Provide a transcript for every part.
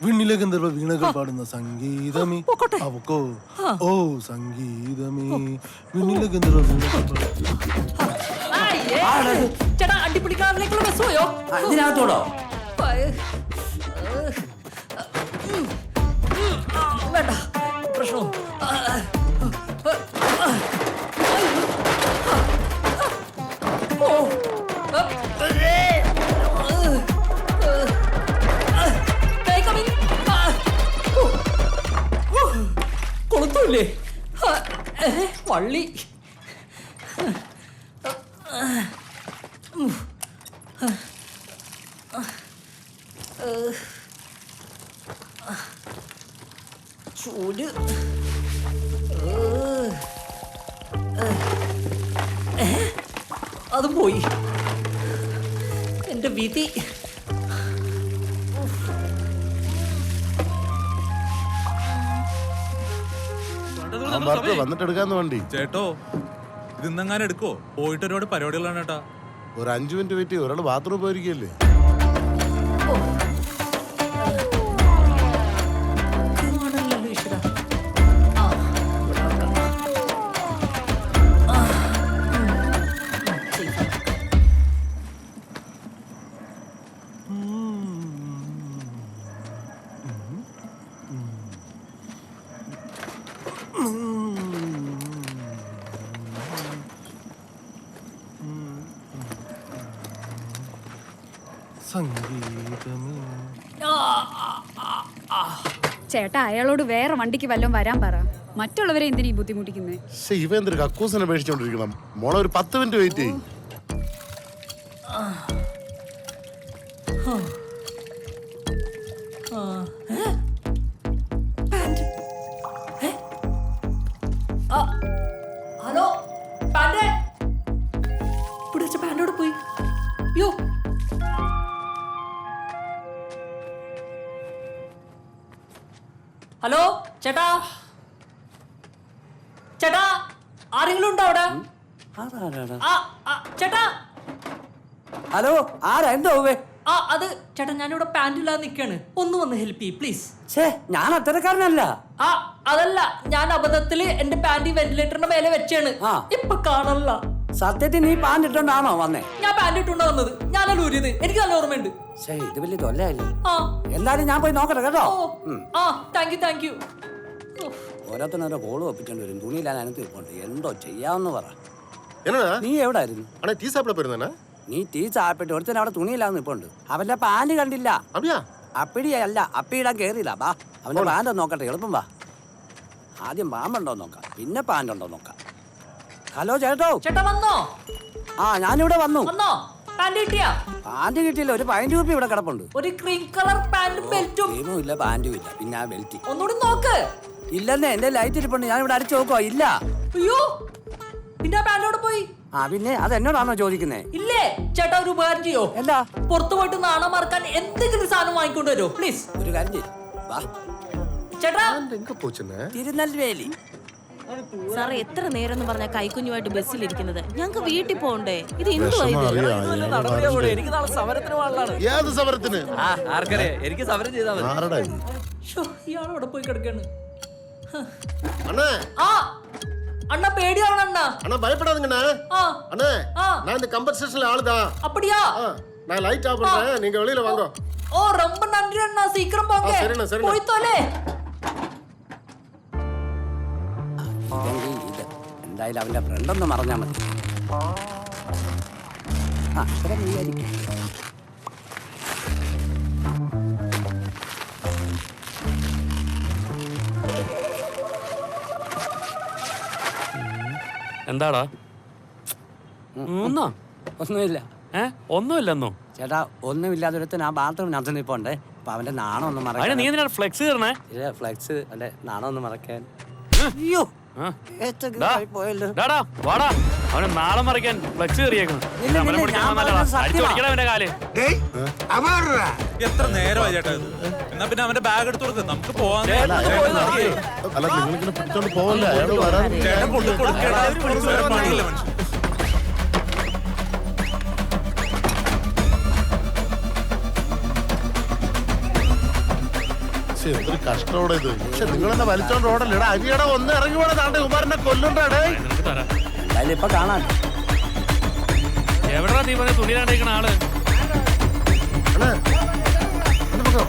വിണ്ണിലെ ഗന്ധർവ വീണകൾ പാടുന്ന സംഗീതമേ അവക്കോ ഓ സംഗീതമേ വിണ്ണിലെ ഗന്ധർവ വീണകൾ ചേട്ടാ അടിപിടിക്കാറിലേക്കുള്ള ബസ് പോയോ ഇതിനകത്തോടോ വേണ്ട പ്രശ്നം കൊളുത്തൂല്ലേ വള്ളി ചൂട് അത് പോയി എന്റെ വിധി വന്നിട്ട് എടുക്കാന്ന് വണ്ടി ചേട്ടോ ഇത് ഇന്നെങ്ങാനും എടുക്കോ പോയിട്ട് ഒരുപാട് പരിപാടികളാണ് ചേട്ടാ ഒരു 5 മിനിറ്റ് വെയിറ്റ് ചെയ്യും ഒരാൾ ബാത്റൂം പോയിരിക്കല്ലേ ചേട്ടാ അയാളോട് വേറെ വണ്ടിക്ക് വല്ലതും വരാൻ പറ. മറ്റുള്ളവരെ എന്തിനീ ബുദ്ധിമുട്ടിക്കുന്നേ? ഇവ എന്തൊരു കക്കൂസിനെ പേടിച്ചോണ്ടിരിക്കണം. മോളെ ഒരു 10 മിനിറ്റ് വെയിറ്റ് ചെയ്യും. ഹലോ പാൻഡ് പിടിച്ച പാൻഡോട് പോയി. യോ ഹലോ ചേട്ടാ ചേട്ടാ ആരെങ്കിലും ഉണ്ടോ അവിടെ? ചേട്ടാ ഹലോ ആരാ എന്തോ അത് ചേട്ടാ ഞാനിവിടെ പാൻറില്ലാതെ നിൽക്കാണ്, ഒന്ന് വന്ന് ഹെൽപ്പ് ചെയ്യ് പ്ലീസ്. ഞാൻ അത്തരക്കാരനല്ല. അതല്ല, ഞാൻ അബദ്ധത്തില് എന്റെ പാൻറ് വെന്റിലേറ്ററിന്റെ മേലെ വെച്ചാണ്, ഇപ്പൊ കാണല്ല. സത്യത്തിൽ നീ പാൻറ് ഇട്ടോണ്ടാണോ വന്നേ? ഞാൻ പാൻറ് ഇട്ടുണ്ടോ വന്നത്, ഞാനല്ല ഊരിയത്, എനിക്ക് നല്ല ഓർമ്മയുണ്ട്. ഇത് വലിയ തൊല്ലല്ലേ. എന്തായാലും ഞാൻ പോയി നോക്കട്ടെ കേട്ടോ. Thank you. ഓരോരുത്തരോരോ കോള് ഒപ്പിച്ചോണ്ട് വരും. തുണിയില്ലാതെ എനിക്ക് ഇപ്പോണ്ട് എന്തോ ചെയ്യാന്ന് പറ. നീ എവിടെ ആയിരുന്നു? നീ ടീ ചാപ്പിട്ട് ഒരുത്തൻ അവിടെ തുണിയില്ലാന്ന് ഇപ്പോണ്ട്. അവന്റെ പാൻറ് കണ്ടില്ല. അപ്പിടിയല്ല, അപ്പിയിടാൻ കേറിയില്ല. ബാ അവന്റെ പാൻറ് നോക്കട്ടെ, എളുപ്പം വാ. ആദ്യം പാമ്പുണ്ടോ നോക്കാം, പിന്നെ പാൻറ് ഉണ്ടോ നോക്കാം. ഹലോ ചേട്ടോ. ചേട്ടാ വന്നോ? ഞാനിവിടെ വന്നു. പാൻറ് കിട്ടിയില്ല, ഒരു 15 രൂപ ഇവിടെ കിടപ്പുണ്ട്. ഒരു ക്രീം കളർ പാന്റും ബെൽറ്റും. ക്രീമും ഇല്ല, പാന്റും ഇല്ല, പിന്നെ ആ ബെൽറ്റ് ഒന്നുകൂടി നോക്ക്. ഇല്ലെന്നേ, എന്റെ ലൈറ്റ് ഇരിപ്പുണ്ട്, ഞാൻ ഇവിടെ അടിച്ചു നോക്കുവാ. ഇല്ല. അയ്യോ, പിന്നെ പാൻറ്റോട് പോയി. പിന്നെ അത് എന്നോടാണോ ചോദിക്കുന്നേ? ഇല്ലേ ചേട്ടാ, ഒരു ഉപകാരം ചെയ്യോ? എന്താ? പുറത്തു പോയിട്ട് നാണം മറക്കാൻ എന്തെങ്കിലും സാധനം വാങ്ങിക്കൊണ്ട് വരുമോ പ്ലീസ്? ഒരു കാര്യം ചെയ്യ്, വാ. ചേട്ടാ തിരുനെൽവേലി. സാറേ എത്ര നേരം എന്ന് പറഞ്ഞ കൈക്കുഞ്ഞുമായിട്ട് ബസ്സിലിരിക്കുന്നത്, ഞങ്ങൾക്ക് വീട്ടിൽ പോകണ്ടേ? ഇത് എനിക്ക് നാളെ സമരത്തിന് പോകാനുള്ളതാണ്. എനിക്ക് സമരം ചെയ്താൽ ഇയാളവിടെ പോയി കിടക്കാണ്. அண்ணா பேடியாவன அண்ணா அண்ணா பயப்படாதீங்கண்ணா. அண்ணா நான் இந்த கம்பன்சேஷன்ல ஆளுதான். அப்படியா? நான் லைட் ஆஃப் பண்றேன், நீங்க வெளியில வாங்க. ஓ ரொம்ப நன்றி அண்ணா, சீக்கிரம் போங்க. சரிண்ணா சரி. போய் தொலை. എന്തായാലും അവന്റെ ഫ്രണ്ട് ഒന്ന് മറഞ്ഞാ മതി. എന്താടാ? ഒന്നുമില്ല. ഒന്നുമില്ലെന്നോ? ചേട്ടാ ഒന്നുമില്ലാതെ ഒരുത്തൻ ആ ബാത്റൂമിനകത്ത് നിൽപ്പുണ്ടേ. അപ്പൊ അവന്റെ നാണം ഒന്ന് മറക്കാൻ. നീ എന്തിനാ ഫ്ലെക്സ് കയറണേ? ഫ്ലെക്സ് അല്ലെ, നാണം ഒന്ന് മറക്കാൻ. അവനെ നാളെ മറിക്കാൻ ഫ്ലെക്സ് കയറിയേക്കണം. എത്ര നേരമായി ചേട്ടാ ഇത്? എന്നാ പിന്നെ അവന്റെ ബാഗ് എടുത്തു കൊടുക്ക്, നമുക്ക് പോവാൻ. അല്ല നിങ്ങളിങ്ങനെ പിടിച്ചോണ്ട് പോവല്ലേ, അയാൾ വരാൻ. ചേട്ടൻ കൊണ്ടു കൊടുക്കേണ്ട പണിയില്ല മനുഷ്യൻ. എന്തൊരു കഷ്ടോടെ ഇത്. പക്ഷെ നിങ്ങളെന്നെ വലിച്ചോണ്ട് ഓടല്ലേ? അരിയട ഒന്ന് ഇറങ്ങി പോണ താണ്ടെ കുമാരനെ കൊല്ലുണ്ടാടേ. നിനക്ക് തരാം. എന്തായാലും ഇപ്പൊ കാണാൻ എവിടെടാ നീ പറഞ്ഞ തുണിയിലാണ്ടിരിക്കണ ആള്? അണ്ണാ, ഒന്ന് പൊക്കോ.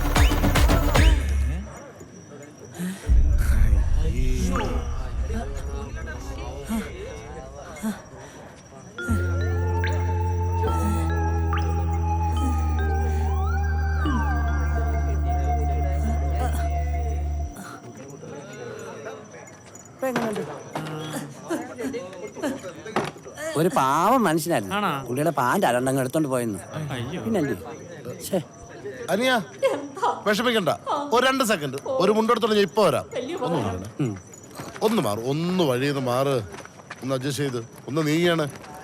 ഒരു പാവം മനുഷ്യനായിരുന്നു. ആണോ? പുള്ളിയുടെ പാൻറ് അരണ്ടങ്ങ് എടുത്തോണ്ട് പോയെന്ന്. അയ്യോ. പിന്നല്ലേ അനിയ വിഷമിക്കണ്ട, ഒരു 2 സെക്കൻഡ് ഒരു മുണ്ടെടുത്തോളം ഞാൻ ഇപ്പൊ വരാം. ഒന്ന് മാറണേ, ഒന്ന് മാറും, ഒന്ന് വഴിന്ന് മാറ്, ഒന്ന് അഡ്ജസ്റ്റ് ചെയ്ത് ഒന്ന് നീയാണ്.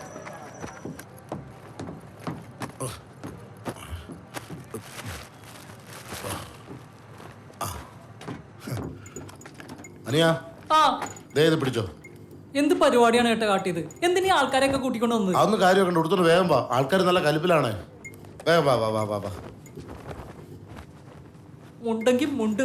അനിയ ആ ദേ ഇത് പിടിച്ചോ. എന്ത് പരിപാടിയാണ് ഏട്ടാ കാട്ടിയത്? എന്തിനീ ആൾക്കാരെയൊക്കെ കൂട്ടിക്കൊണ്ട് വന്നത്? അതൊന്നും കാര്യമൊക്കെ ഉണ്ട്, എടുത്തോണ്ട് വേഗം വാ. ആൾക്കാർ നല്ല കലിപ്പിലാണ്. വേഗം വാ വാ വാ വാ വാ. മുണ്ടെങ്കിൽ മുണ്ട്.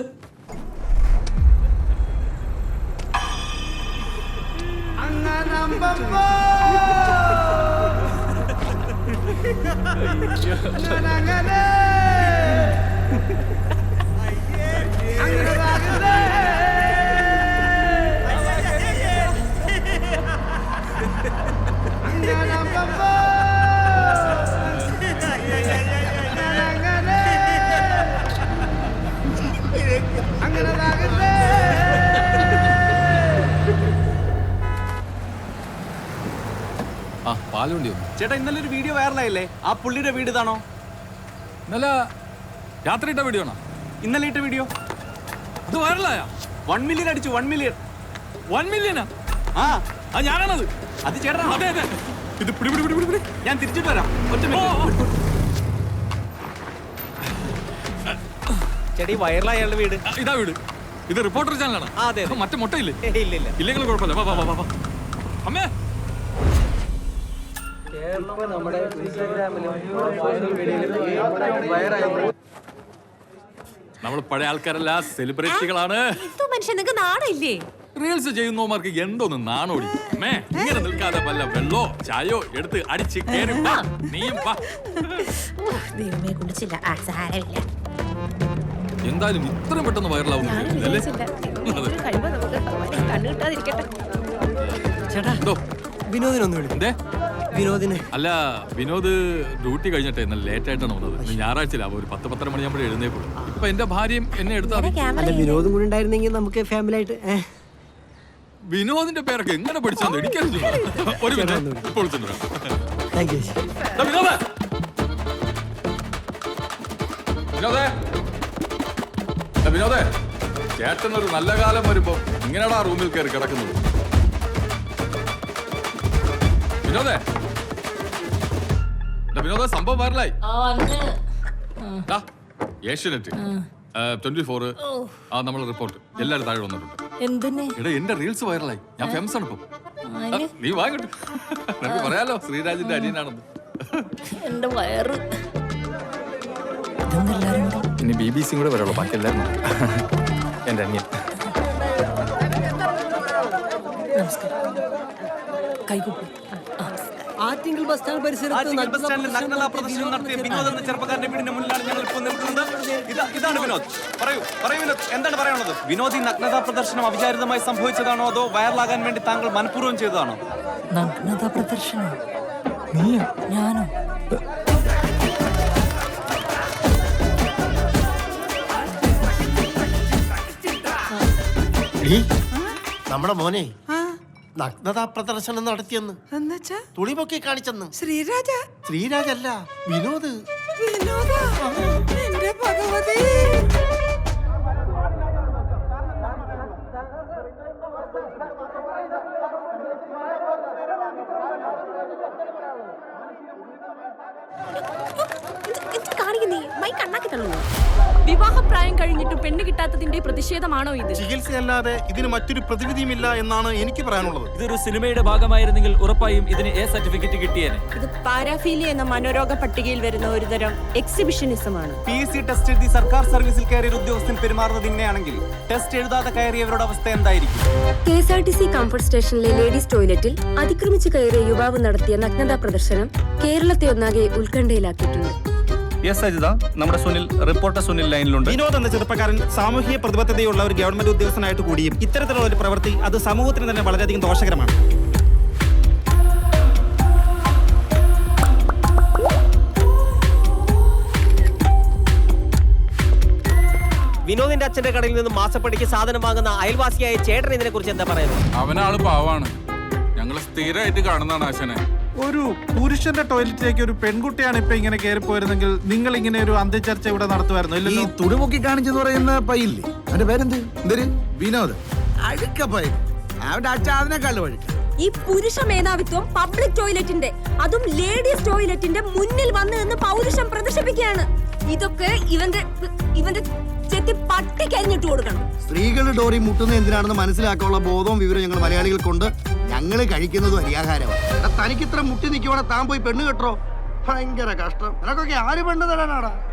ചേട്ടാ, ഇന്നലെ ഒരു വീഡിയോ വൈറലായില്ലേ? ആ പുള്ളിയുടെ വീട് ഇതാണോ? ഇന്നലെ രാത്രി ഇട്ട വീഡിയോ ആണോ? ഇന്നലെ ഇട്ട വീഡിയോ അത് വൈറലായ 1 മില്യൺ അടിച്ചു. 1 മില്യൺ. 1 മില്യനാ? ആ ഞാനാണത്. അത് ചേട്ടാ. അതെ അതെ. ഇത് പിടി പിടി പിടി പിടി പിടി. ഞാൻ തിരിച്ചിട്ട് വരാം. ഒറ്റ ചേട്ടാ, ഈ വൈറലായ അയാളുടെ വീട് ഇതാ വീട്. ഇത് റിപ്പോർട്ടർ ചാനലാണ്. അതെ. മറ്റേ മുട്ടയില്ലേ? ഇല്ല ഇല്ല. ഇല്ലെങ്കിലും കുഴപ്പമില്ല. വാ വാ വാ വാ. അമ്മേ നമ്മൾ പഴയ ആൾക്കാരല്ല, സെലിബ്രിറ്റികളാണ്. മനുഷ്യൻ നാണില്ലേ? റീൽസ് ചെയ്യുന്നവർക്ക് എന്തോന്ന് നാണോടി. അമ്മേ ഇങ്ങനെ നിൽക്കാതെ വല്ല വെള്ളോ ചായോ എടുത്ത് അടിച്ച് കേറി വാ. നീയും വാ. ദൈവമേ, കുടിച്ചില്ല. എന്തായാലും ഇത്രയും പെട്ടെന്ന് വൈറലാവുന്നു. എന്തോ വിനോദിനൊന്ന് വിളിക്കും. വിനോദിന് അല്ല, വിനോദ് ഡ്യൂട്ടി കഴിഞ്ഞിട്ട് ഇന്നലെ ലേറ്റ് ആയിട്ടാണ് വന്നത്. ഇന്ന് ഞായറാഴ്ചയിലാവും. ഒരു 10-10:30 മണിയാകുമ്പോഴേ എഴുന്നേക്കുള്ളൂ. ഇപ്പൊ എന്റെ ഭാര്യയും എന്നെ എടുത്താൽ അല്ല, വിനോദും കൂടെ ഉണ്ടായിരുന്നെങ്കിൽ നമുക്ക് ഫാമിലി ആയിട്ട്. വിനോദിന്റെ പേരൊക്കെ എങ്ങനെ പഠിച്ചാൽ എനിക്കറിയില്ല. ഒരു മിനിറ്റ് ഇപ്പോൾ വിളിച്ചിട്ടുണ്ടോ? Thank you. വിനോദേ, വിനോദേ, വിനോദേ, ചേട്ടനൊരു നല്ല കാലം വരുമ്പോ ഇങ്ങനെയാടാ റൂമിൽ കയറി കിടക്കുന്നത്. വിനോദേ, വിനോദ സംഭവം വൈറലായി. ഏഷ്യാനെറ്റ്, 24 നമ്മളെ റിപ്പോർട്ട് എല്ലാവരും താഴെ വന്നിട്ടുണ്ട്. എടാ, എന്റെ റീൽസ് വൈറലായി. ഞാൻ ഫേമസ് ആണ് ഇപ്പൊ. നീ വാങ്ങട്ടെ, നമുക്ക് പറയാലോ ശ്രീരാജിന്റെ അനിയനാണെന്ന്. എന്റെ വയറ്. ഇനി BBC കൂടെ വരുള്ളൂ, ബാക്കി എല്ലാവരും എന്റെ അനിയൻ. ആറ്റിങ്ങൽ ബസ് സ്റ്റാൻഡ് പരിസരത്ത് നഗ്നതാ പ്രദർശനം നടത്തിയ വിനോദ് എന്ന ചെറുപ്പക്കാരന്റെ വീടിന്റെ മുന്നിലാണ് ഞങ്ങൾ ഇപ്പോൾ നിൽക്കുന്നത്. ഇതാണ് വിനോദ്. പറയൂ വിനോദ്, എന്താണ് പറയാനുള്ളത്? വിനോദ്, ഈ നഗ്നതാ പ്രദർശനം അവിചാരിതമായി സംഭവിച്ചതാണോ അതോ വൈറലാകാൻ വേണ്ടി താങ്കൾ മനഃപൂർവ്വം ചെയ്തതാണോ? നഗ്നതാ പ്രദർശനം? നീയോ? ഞാനോ? നമ്മുടെ മോനെ നഗ്നതാ പ്രദർശനം നടത്തിയെന്ന്. തുണി പൊക്കി കാണിച്ചെന്ന്. ശ്രീരാജല്ല, വിനോദ്. എന്റെ ഭഗവതി. കാണിക്കുന്നേ മൈ കണ്ണാക്കി തള്ളുന്നു. വിവാഹപ്രായം കഴിഞ്ഞിട്ട് പെണ്ണ് കിട്ടാത്തതിന്റെ പ്രതിഷേധമാണോ ഇത്? ചികിത്സയല്ലാതെ ഇതിന് മറ്റൊരു പ്രതിവിധിയുമില്ല എന്നാണ് എനിക്ക് പറയാനുള്ളത്. ഇതൊരു സിനിമയുടെ ഭാഗമായിരുന്നെങ്കിൽ ഉറപ്പായും ഇതിന് എ സർട്ടിഫിക്കറ്റ് കിട്ടിയേനെ. ഇത് പാരാഫീലിയ എന്ന മനോരോഗ പട്ടികയിൽ വരുന്ന ഒരു തരം എക്സിബിഷനിസമാണ്. PSC ടെസ്റ്റ് എഴുതി സർക്കാർ സർവീസിൽ കയറിയ ഉദ്യോഗസ്ഥൻ പെരുമാറുന്നത് ഇങ്ങനെയാണെങ്കിൽ ടെസ്റ്റ് എഴുതാതെ കയറിയവരുടെ അവസ്ഥ എന്തായിരിക്കും? KSRTC കംഫർട്ട് സ്റ്റേഷനിലെ ലേഡീസ് ടോയ്ലറ്റിൽ അതിക്രമിച്ച് കയറിയ യുവാവ് നടത്തിയ നഗ്നതാ പ്രദർശനം കേരളത്തെ ഒന്നാകെ ഉത്കണ്ഠയിലാക്കിയിട്ടുണ്ട്. യെസ് അജിത, നമ്മുടെ സുനിൽ, റിപ്പോർട്ടർ സുനിൽ ലൈനിലുണ്ട്. വിനോദ് എന്ന ചെറുപ്പക്കാരൻ സാമൂഹിക പ്രതിബദ്ധതയുള്ള ഒരു ഗവൺമെന്റ് ഉദ്യോഗസ്ഥനായിട്ട് കൂടിയും ഇത്തരത്തിലുള്ള ഒരു പ്രവൃത്തി അത് സമൂഹത്തിന് തന്നെ വളരെയധികം ദോഷകരമാണ്. വിനോദിന്റെ അച്ഛന്റെ കടയിൽ നിന്ന് മാസപ്പടിക്ക് സാധനം വാങ്ങുന്ന അയൽവാസിയായ ചേട്ടൻ ഇതിനെ കുറിച്ച് എന്താ പറയുന്നത്? അവനാള് പാവാണ്, ഞങ്ങൾ സ്ഥിരമായിട്ട് കാണുന്നതാണ് ആശാനെ. ഒരു പുരുഷന്റെ ടോയ്ലറ്റിലേക്ക് ഒരു പെൺകുട്ടിയാണ് ഇപ്പൊ ഇങ്ങനെ കയറി പോയിരുന്നെങ്കിൽ നിങ്ങൾ ഇങ്ങനെ ഒരു അന്ത്യചർച്ച ഇവിടെ നടത്തുമായിരുന്നു. ഈ തുണിമുക്കി കാണിച്ചെന്ന് പറയുന്ന പയ്യില്ലേ, അവന്റെ പേരെന്ത്? എന്തൊരു വിനോദ് അഴുക്ക പയ്യൻ. അവന്റെ അച്ഛൻ അതിനെക്കാളും അഴുക്ക. ഈ പുരുഷ മേധാവിത്വം പബ്ലിക് ടോയ്ലറ്റിന്റെ, അതും ലേഡീസ് ടോയ്ലറ്റിന്റെ മുന്നിൽ വന്ന് നിന്ന് പൗരുഷം പ്രദർശിപ്പിക്കുകയാണ്. ഇതൊക്കെ ഇവന്റെ ചെത്തി പട്ടി കരിഞ്ഞിട്ട് കൊടുക്കണം. സ്ത്രീകളുടെ ഡോറി മുട്ടുന്നത് എന്തിനാണെന്ന് മനസ്സിലാക്കാനുള്ള ബോധവും വിവരം ഞങ്ങൾ മലയാളികൾക്കുണ്ട്. ഞങ്ങള് കഴിക്കുന്നതും അരിയാഹാരമാണ്. തനിക്കിത്ര മുട്ടി നിൽക്കുവാണെ താൻ പോയി പെണ്ണ് കെട്ടോ. ഭയങ്കര കഷ്ടം. നിനക്കൊക്കെ ആര് പെണ്ണ് തരാനാടാ?